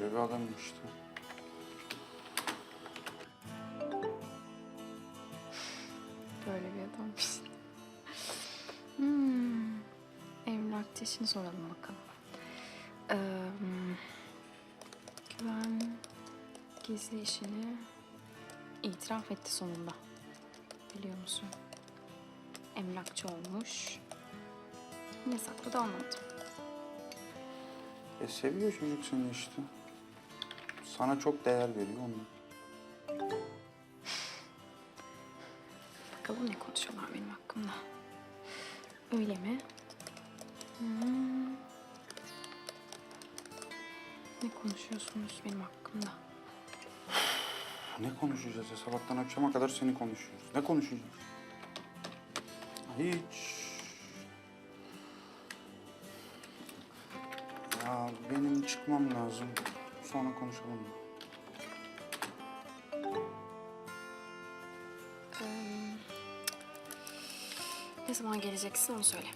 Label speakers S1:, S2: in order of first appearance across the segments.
S1: Böyle bir adam işte.
S2: Böyle bir adammış. Emlakçı işini soralım bakalım. Güven gizli işini itiraf etti sonunda. Biliyor musun? Emlakçı olmuş. Niye sakladı anlamadım.
S1: Seviyor çocuk seni işte. Sana çok değer veriyor ondan.
S2: Bakalım ne konuşuyorlar benim hakkımda. Öyle mi? Ne konuşuyorsunuz benim hakkımda?
S1: Ne konuşacağız ya? Sabahtan akşama kadar seni konuşuyoruz. Ne konuşacağız? Hiç. Ya benim çıkmam lazım. Sonra konuşalım mı?
S2: Ne zaman geleceksin onu söyle.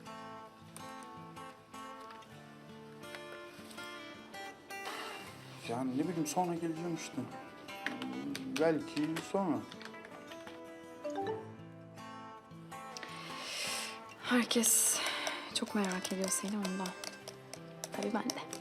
S1: Yani ne bileyim sonra geleceğim işte. Belki sonra.
S2: Herkes çok merak ediyor seni ondan. Tabii ben de.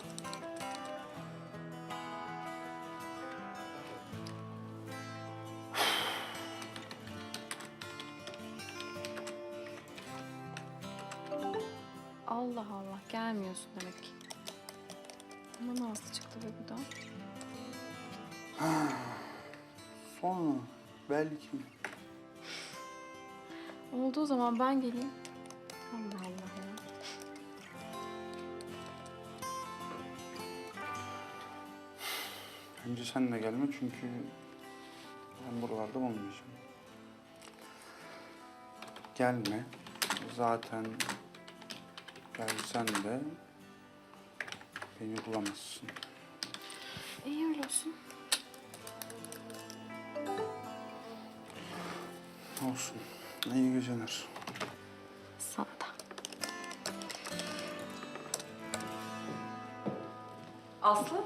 S2: Allah Allah gelmiyorsun demek ki. Ama Nazlı çıktı ve bu da.
S1: Sonra belki.
S2: Olduğu zaman ben geleyim. Allah Allah ya.
S1: Bence sen de gelme çünkü ben buralarda olmayacağım. Gelme. Zaten gelsen de beni bulamazsın.
S2: İyi öyle olsun.
S1: Olsun. İyi geceler.
S2: Sana da.
S3: Aslı?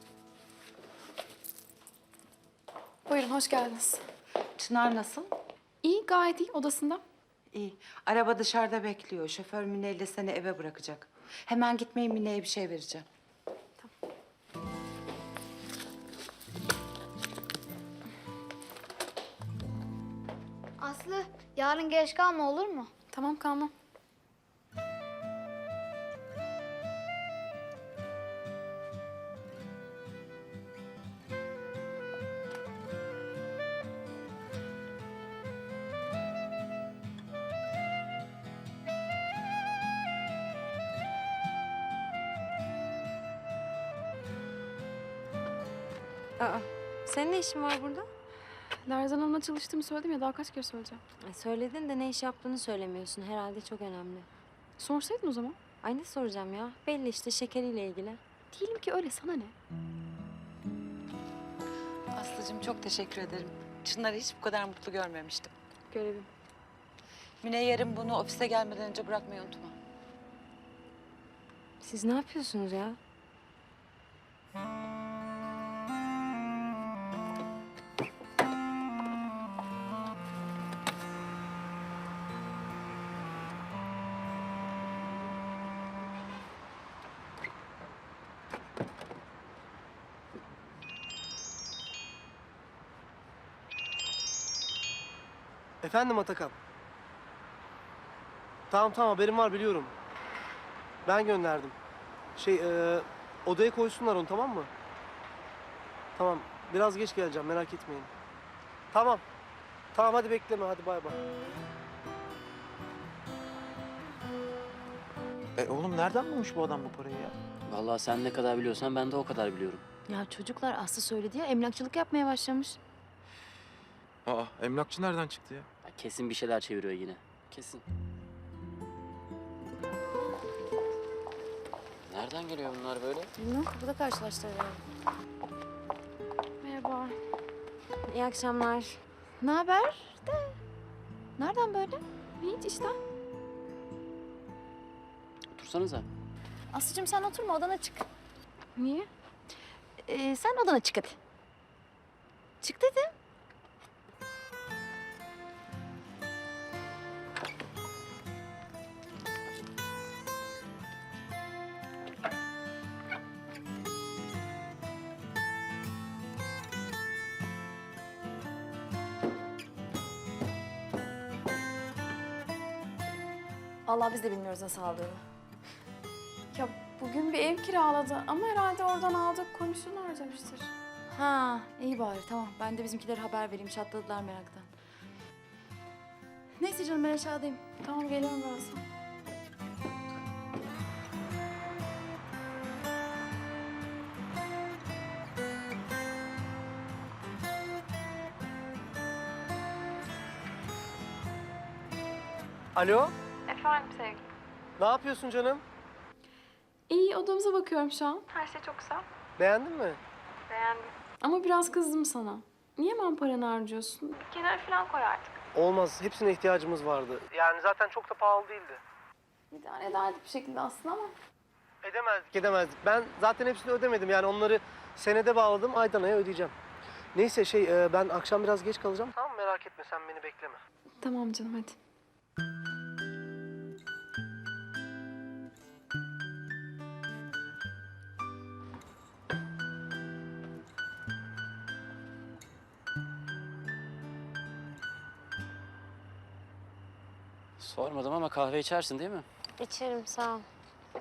S2: Buyurun hoş geldiniz.
S3: Çınar nasıl?
S2: İyi gayet iyi odasında.
S3: İyi. Araba dışarıda bekliyor. Şoför Mine ile seni eve bırakacak. Hemen gitmeyin, Mine'ye bir şey vereceğim.
S4: Aslı, yarın geç kalma olur mu?
S2: Tamam kalmam.
S5: Aa, senin ne işin var burada?
S2: Lerzan Hanım'la çalıştığımı söyledim ya daha kaç kere söyleyeceğim.
S5: Söyledin de ne iş yaptığını söylemiyorsun. Herhalde çok önemli.
S2: Sorsaydın o zaman.
S5: Ay ne soracağım ya? Belli işte şekeriyle ilgili.
S2: Değilim ki öyle sana ne?
S3: Aslıcığım çok teşekkür ederim. Çınar'ı hiç bu kadar mutlu görmemiştim.
S2: Görevim.
S3: Mine yarın bunu ofise gelmeden önce bırakmayı unutma.
S5: Siz ne yapıyorsunuz ya?
S6: Efendim Atakan. Tamam haberim var biliyorum. Ben gönderdim. Odaya koysunlar onu tamam mı? Tamam biraz geç geleceğim merak etmeyin. Tamam. Tamam hadi bekleme hadi bay bay.
S7: Oğlum nereden bulmuş bu adam bu parayı ya?
S8: Vallahi sen ne kadar biliyorsan ben de o kadar biliyorum.
S5: Ya çocuklar Aslı söyledi ya emlakçılık yapmaya başlamış.
S7: Aa, emlakçı nereden çıktı ya?
S8: Ya kesin bir şeyler çeviriyor yine. Kesin. Nereden geliyor bunlar böyle?
S5: Bilmem kapıda karşılaştılar herhalde.
S2: Merhaba.
S5: İyi akşamlar. Ne haber de? Nereden böyle?
S2: Hiç işte.
S8: Otursanıza.
S5: Aslıcığım sen oturma odana çık.
S2: Niye?
S9: Sen odana çık hadi. Çık dedim. Allah biz de bilmiyoruz nasıl aldığını.
S2: Ya bugün bir ev kiraladı ama herhalde oradan aldık komisyon harcamıştır.
S9: Ha, iyi bari tamam. Ben de bizimkilere haber vereyim. Çatladılar meraktan. Neyse canım ben aşağıdayım.
S2: Tamam geliyorum birazdan.
S6: Alo,
S2: Efendim sevgilim.
S6: ne yapıyorsun canım?
S2: İyi odamıza bakıyorum şu an.
S6: Beğendin mi?
S2: Ama biraz kızdım sana. Niye hemen paranı harcıyorsun? Bir kenara falan koy artık.
S6: Olmaz, hepsine ihtiyacımız vardı. Yani zaten çok da pahalı değildi.
S2: İdare ederdik bir şekilde aslında ama.
S6: Edemezdik. Ben zaten hepsini ödemedim. Yani onları senede bağladım, aydan aya ödeyeceğim. Neyse ben akşam biraz geç kalacağım. Tamam merak etme, sen beni bekleme.
S2: Tamam canım hadi.
S8: Sormadım ama kahve içersin değil mi?
S5: İçerim sağ ol.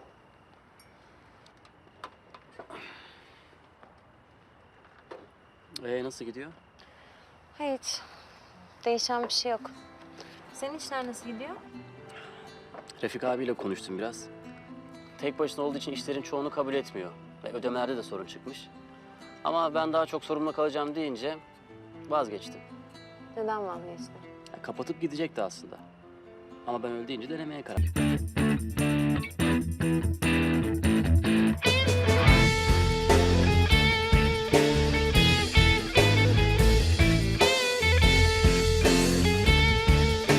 S8: Nasıl gidiyor?
S5: Hiç. Değişen bir şey yok. Senin işler nasıl gidiyor?
S8: Refik abiyle konuştum biraz. Tek başına olduğu için işlerin çoğunu kabul etmiyor. Ve ödemelerde de sorun çıkmış. Ama ben daha çok sorumlu kalacağım deyince vazgeçtim.
S5: Neden vazgeçtin?
S8: Ya, kapatıp gidecekti aslında. Ama ben öyle deyince denemeye karar verdim.